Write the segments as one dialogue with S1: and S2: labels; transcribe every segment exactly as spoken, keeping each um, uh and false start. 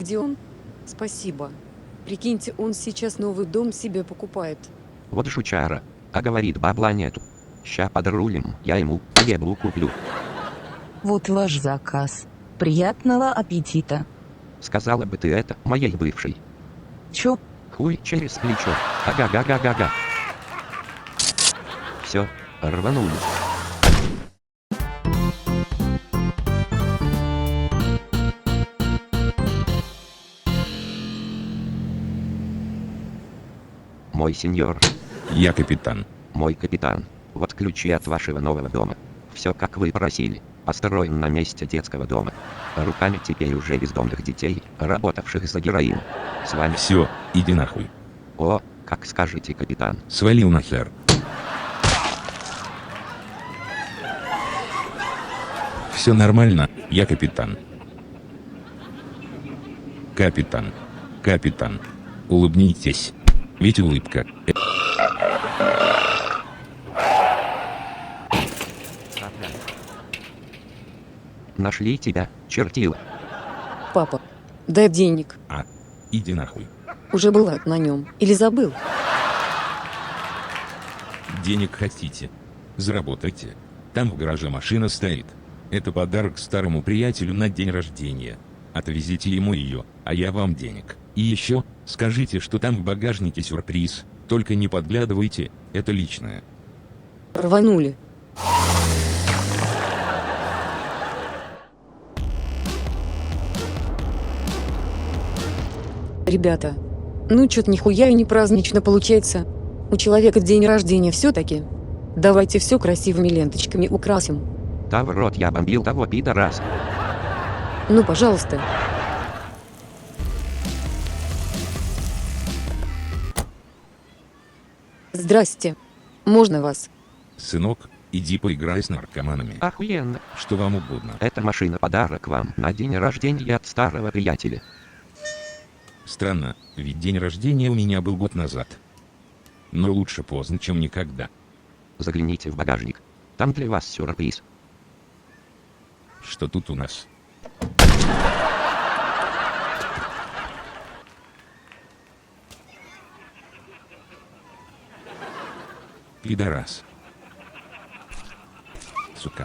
S1: Где он? Спасибо. Прикиньте, он сейчас новый дом себе покупает.
S2: Вот жучара. А говорит, бабла нету. Ща подрулим, я ему еблу куплю.
S3: Вот ваш заказ. Приятного аппетита.
S2: Сказала бы ты это моей бывшей.
S3: Чё?
S2: Хуй через плечо. Ага-га-га-га-га. Все, рванули. Мой сеньор.
S4: Я капитан.
S2: Мой капитан. Вот ключи от вашего нового дома. Все как вы просили. Построен на месте детского дома. Руками теперь уже бездомных детей, работавших за героин. С вами...
S4: Все, иди нахуй.
S2: О, как скажете, капитан.
S4: Свалил нахер. Все нормально, я капитан. Капитан. Капитан. Улыбнитесь. Ведь улыбка. э-
S2: Нашли тебя, чертила.
S1: Папа, дай денег.
S4: А, иди нахуй.
S1: Уже была на нем. Или забыл?
S4: Денег хотите? Заработайте. Там в гараже машина стоит. Это подарок старому приятелю на день рождения. Отвезите ему ее, а я вам денег. И еще, скажите, что там в багажнике сюрприз. Только не подглядывайте, это личное.
S1: Рванули. Ребята, ну чё-то нихуя и не празднично получается. У человека день рождения все-таки. Давайте все красивыми ленточками украсим.
S2: Да в рот, я бомбил того пидораса.
S1: Ну, пожалуйста. Здрасте. Можно вас?
S4: Сынок, иди поиграй с наркоманами.
S2: Охуенно.
S4: Что вам угодно.
S2: Эта машина подарок вам на день рождения от старого приятеля.
S4: Странно, ведь день рождения у меня был год назад. Но лучше поздно, чем никогда.
S2: Загляните в багажник. Там для вас сюрприз.
S4: Что тут у нас? Пидорас. Сука.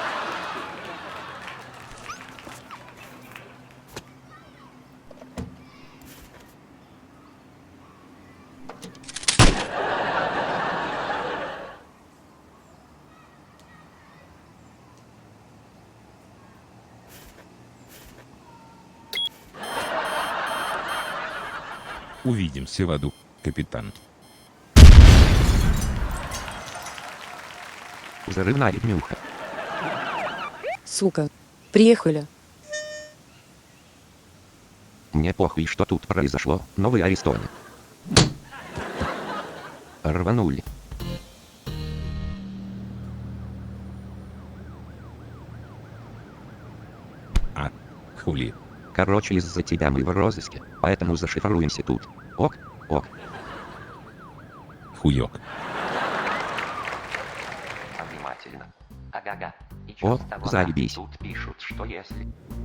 S4: Увидимся в аду, капитан.
S2: Взрывная днюха.
S1: Сука. Приехали.
S2: Мне похуй, что тут произошло, но вы арестованы. Рванули.
S4: А, хули.
S2: Короче, из-за тебя мы в розыске, поэтому зашифруемся тут. Ок, ок.
S4: Хуёк.
S2: Внимательно. Ага-га. О, заебись. Тут пишут, что если...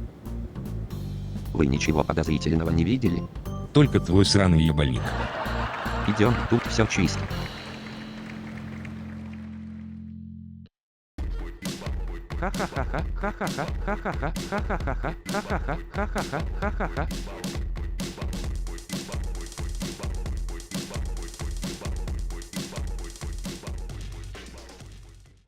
S2: Вы ничего подозрительного не видели?
S4: Только твой сраный ебальник.
S2: Идем, тут все чисто. Ха-ха-ха-ха, ха-ха-ха, ха-ха-ха, ха-ха-ха, ха-ха-ха, ха-ха-ха, ха-ха-ха.